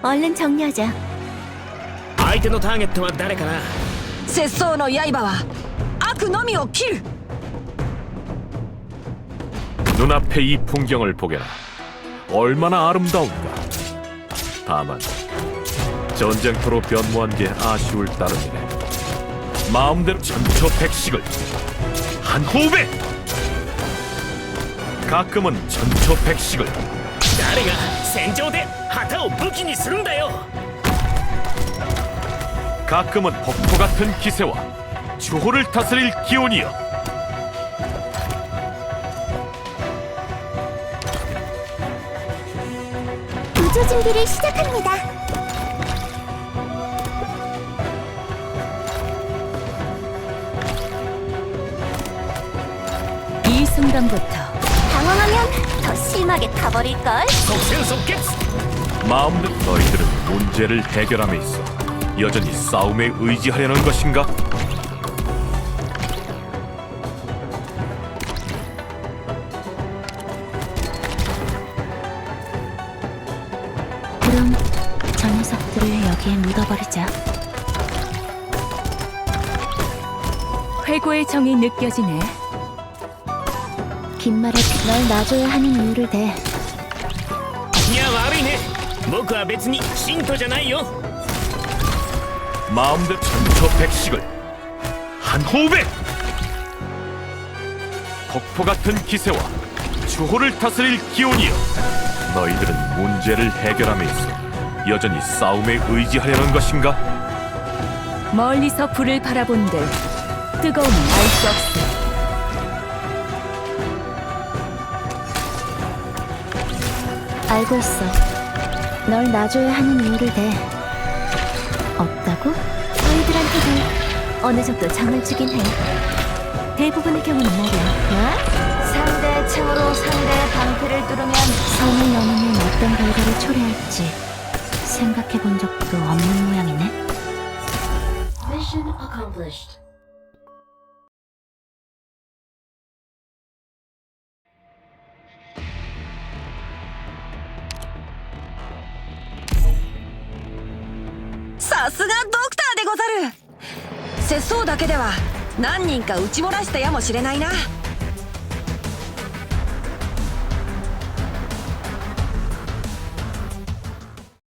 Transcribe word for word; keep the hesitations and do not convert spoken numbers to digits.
얼른 정리하자. 相手のターゲットは誰かな。 節操の刃は悪のみを切る。 눈앞에 이 풍경을 보게라. 얼마나 아름다운가. 다만 전쟁터로 변모한 게 아쉬울 따름이네. 마음대로 천초백식을 한 호흡에. 가끔은 천초백식을. 誰が戦場で旗を武器にするんだよ。 가끔은 폭포 같은 기세와 주호를 다스릴 기운이여. 구조 준비를 시작합니다. 이 순간부터 당황하면 더 심하게 타버릴걸? 即戦即決。 마음대로 너희들은 문제를 해결함에 있어 여전히 싸움에 의지하려는 것인가? 그럼 저 녀석들을 여기에 묻어버리자. 회고의 정이 느껴지네. 긴 말에 널 놔줘야 하는 이유를 대. いや悪いね。僕は別に信徒じゃないよ。 마음대로 천초백식을 한 호흡에. 폭포 같은 기세와 주호를 다스릴 기운이여. 너희들은 문제를 해결함에 있어 여전히 싸움에 의지하려는 것인가? 멀리서 불을 바라본들 뜨거움은 알 수 없어. 알고 있어. 널 놔줘야 하는 이유를 대. 없다고? 너희들한테도 어느 정도 정을 주긴 해. 대부분의 경우는 말이야. 뭐? 상대의 창으로 상대의 방패를 뚫으면 선을 넘으면 어떤 결과를 초래할지 생각해 본 적도 없는 모양이네. Mission accomplished. 사すがドクターでござる。節操だけでは何人か撃ち漏らしたやもしれないな。